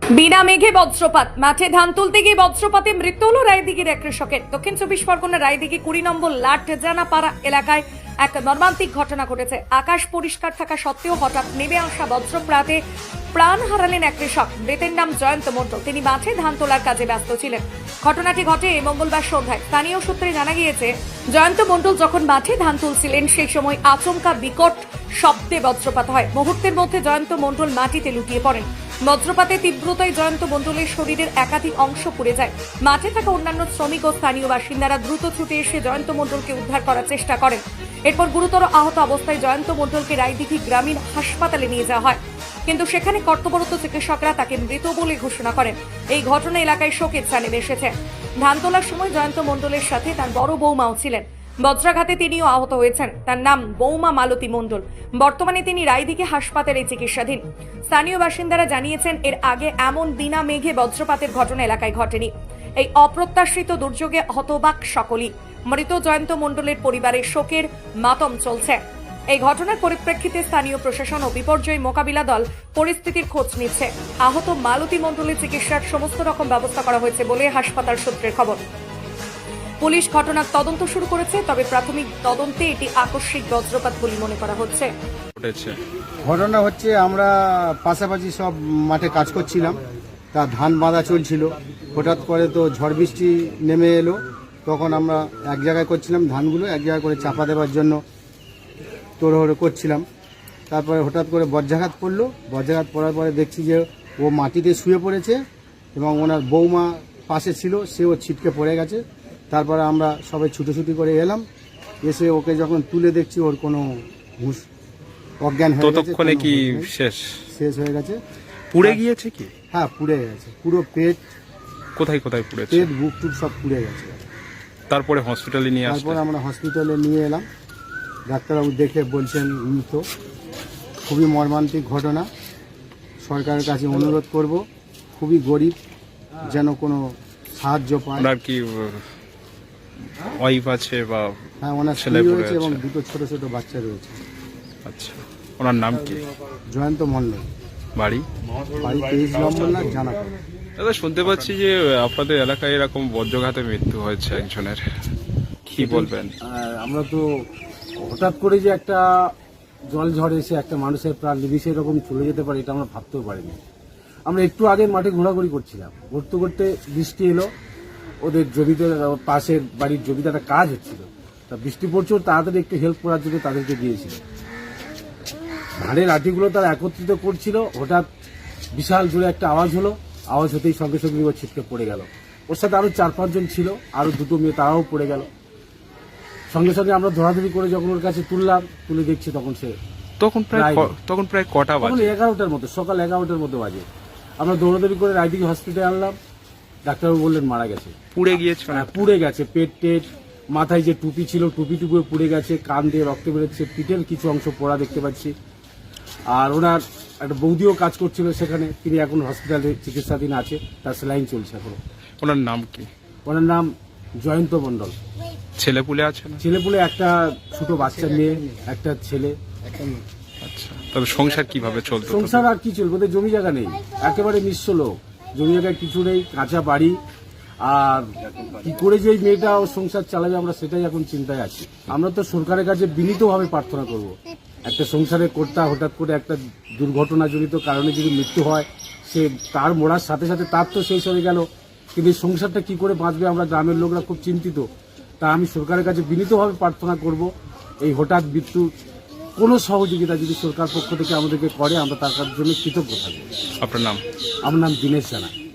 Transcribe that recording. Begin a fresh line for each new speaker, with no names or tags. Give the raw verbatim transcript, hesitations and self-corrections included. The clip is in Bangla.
বিনা মেঘে বজ্রপাত, মাঠে ধান তুলতে গিয়ে বজ্রপাতে মৃত্যু হল রায়দিঘির এক কৃষকের। দক্ষিণ চব্বিশ পরগনার রায়দিঘি কুড়ি নম্বর লাটজানাপাড়া এলাকায় এক মর্মান্তিক ঘটনা ঘটেছে। আকাশ পরিষ্কার থাকা সত্ত্বেও হঠাৎ নেমে আসা বজ্রপাতে প্রাণ হারালেন এক কৃষক। মৃতের নাম জয়ন্ত মণ্ডল। তিনি মাঠে ধান তোলার কাজে ব্যস্ত ছিলেন। ঘটনাটি ঘটে মঙ্গলবার সন্ধ্যায়। স্থানীয় সূত্রে জানা গিয়েছে, জয়ন্ত মণ্ডল যখন মাঠে ধান তুলছিলেন সেই সময় আচমকা বিকট শব্দে বজ্রপাত হয়। মুহূর্তের মধ্যে জয়ন্ত মণ্ডল মাটিতে লুটিয়ে পড়েন। বজ্রপাতে তীব্রতায় জয়ন্ত মণ্ডলের শরীরের একাধিক অংশ পুড়ে যায়। মাঠে থাকা অন্যান্য শ্রমিক ও স্থানীয় বাসিন্দারা দ্রুত ছুটে এসে জয়ন্ত মণ্ডলকে উদ্ধার করার চেষ্টা করেন। এরপর গুরুতর আহত অবস্থায় জয়ন্ত মণ্ডলকে রায়দিঘি গ্রামীণ হাসপাতালে নিয়ে যাওয়া হয়, কিন্তু সেখানে কর্তব্যরত চিকিৎসকরা তাকে মৃত বলে ঘোষণা করেন। এই ঘটনা এলাকায় শোকের ছায়া নেমে এসেছে। ধান তোলার সময় জয়ন্ত মণ্ডলের সাথে তার বড় বৌমাও ছিলেন। বজ্রাঘাতে তিনিও আহত হয়েছেন। তার নাম বৌমা মালতী মণ্ডল। বর্তমানে তিনি রায়দিঘি হাসপাতালে চিকিৎসাধীন। স্থানীয় বাসিন্দারা জানিয়েছেন, এর আগে এমন বিনা মেঘে বজ্রপাতের ঘটনা এলাকায় ঘটেনি। এই অপ্রত্যাশিত দুর্যোগে হতবাক সকলেই। মৃত জয়ন্ত মণ্ডলের পরিবারের শোকের মাতম চলছে। এই ঘটনার পরিপ্রেক্ষিতে স্থানীয় প্রশাসন ও বিপর্যয় মোকাবিলা দল পরিস্থিতির খোঁজ নিচ্ছে। আহত মালতী মণ্ডলের চিকিৎসার সমস্ত রকম ব্যবস্থা করা হয়েছে বলে হাসপাতাল সূত্রের খবর। পুলিশ ঘটনার তদন্ত শুরু করেছে, তবে প্রাথমিক তদন্তে এটি আকস্মিক বজ্রপাত বলে মনে করা হচ্ছে।
ঘটনা হচ্ছে, আমরা পাশাপাশি সব মাঠে কাজ করছিলাম, তা ধান বাঁধা চলছিল। হঠাৎ করে তো ঝড় বৃষ্টি নেমে এলো। তখন আমরা এক জায়গায় করছিলাম ধানগুলো, এক জায়গায় করে চাপা দেওয়ার জন্য তোড়হড়ো করছিলাম। তারপরে হঠাৎ করে বজ্রাঘাত পড়লো। বজ্রাঘাত পড়ার পরে দেখছি যে ও মাটিতে শুয়ে পড়েছে এবং ওনার বৌমা পাশে ছিল, সেও ছিটকে পড়ে গেছে। তারপরে আমরা সবাই ছুটোছুটি করে এলাম। এসে ওকে যখন তুলে দেখছি, ওর কোনো হুঁশ অজ্ঞান হয়ে গেছে।
ততক্ষণে কি শেষ
শেষ হয়ে গেছে।
পুড়ে গিয়েছে কি?
হ্যাঁ, পুড়ে গেছে। পুরো পেট,
কোথায় কোথায় পুড়েছে?
পেট, বুক টুক সব পুড়ে গেছে।
তারপরে হসপিটালে নিয়ে আসলে
তারপর আমরা হসপিটালে নিয়ে এলাম। ডাক্তারবাবু দেখে বলছেন মৃত। খুবই মর্মান্তিক ঘটনা। সরকারের কাছে অনুরোধ করব, খুবই গরিব, যেন কোনো সাহায্য পায়।
ওনার কি ওয়াইফ আছে বা?
হ্যাঁ, ওনার
ছেলে
ছেলে
পড়ে
রয়েছে এবং
আছে।
দুটো ছোট ছোট বাচ্চা রয়েছে।
আচ্ছা, ওনার নাম কি?
জয়ন্ত মণ্ডল।
বাড়ি?
বাড়ি তেইশ নম্বর না জানা।
দাদা, শুনতে পাচ্ছি যে আপনাদের এলাকায় এরকম বজ্রঘাতে মৃত্যু হয়েছে একজনের, কি বলবেন?
আর আমরা তো হঠাৎ করে যে একটা জল ঝড়ে এসে একটা মানুষের প্রাণ নিমিষে এরকম চলে যেতে পারে, এটা আমরা ভাবতেও পারিনি। আমরা একটু আগে মাঠে ঘোরাঘুরি করছিলাম, ঘুরতে ঘুরতে বৃষ্টি এলো। ওদের জমিতে, পাশের বাড়ির জমিতে একটা কাজ হচ্ছিল, তা বৃষ্টি পড়ছে, তাড়াতাড়ি একটু হেল্প করার জন্য তাদেরকে দিয়েছিল। ধানের আটিগুলো তারা একত্রিত করছিল। হঠাৎ বিশাল জোরে একটা আওয়াজ হলো। আওয়াজ হতেই সঙ্গে সঙ্গে ও ছিটকে পড়ে গেল। ওর সাথে আরো চার পাঁচজন ছিল, আরো দুটো মেয়ে, তারাও পড়ে গেল। সঙ্গে সঙ্গে আমরা ধরাধরি করে যখন ওর কাছে তুললাম, তুলে দেখছি তখন সে
তখন প্রায় ক- তখন প্রায় কটা
তখন
বাজে?
এগারোটার মতো, সকাল এগারোটার মতো বাজে। আমরা দৌড়াদৌড়ি করে রায়দিঘি হসপিটালে আনলাম। ডাক্তারবাবু বললেন মারা গেছে।
পুড়ে গিয়েছে?
হ্যাঁ, পুড়ে গেছে। পেট টেট, মাথায় যে টুপি ছিল টুপি টুপি পুড়ে গেছে, কান দিয়ে রক্ত বেরোচ্ছে, পিঠের কিছু অংশ পোড়া দেখতে পাচ্ছি। আর ওনার একটা বৌদিও কাজ করছিল সেখানে, তিনি এখন হসপিটালে চিকিৎসাধীন আছে, তার স্যালাইন চলছে এখনো।
ওনার নাম কি?
ওনার নাম জয়ন্ত মণ্ডল।
ছেলে পুলে আছে না?
ছেলেপুলে একটা ছোট বাচ্চা মেয়ে, একটা ছেলে।
আচ্ছা, তবে সংসার কিভাবে চলতো?
সংসার আর কি চলবে, ওদের জমি জায়গা নেই, একেবারে নিঃস্ব লোক, জমি জায়গায় কিছু নেই, কাঁচা বাড়ি। আর কি করে যে এই মেয়েটা ও সংসার চালাবে, আমরা সেটাই এখন চিন্তায় আছি। আমরা তো সরকারের কাছে বিনীতভাবে প্রার্থনা করব, একটা সংসারে কর্তা হঠাৎ করে একটা দুর্ঘটনাজনিত কারণে যদি মৃত্যু হয়, সে তার মরার সাথে সাথে তার তো শেষ হয়ে গেল, কিন্তু এই সংসারটা কি করে বাঁচবে, আমরা গ্রামের লোকরা খুব চিন্তিত। তা আমি সরকারের কাছে বিনীতভাবে প্রার্থনা করব, এই হঠাৎ মৃত্যু কোনো সহযোগিতা যদি সরকার পক্ষ থেকে আমাদেরকে করে, আমরা তার জন্য কৃতজ্ঞ থাকবো।
আপনার নাম?
আমার নাম দীনেশ জানা।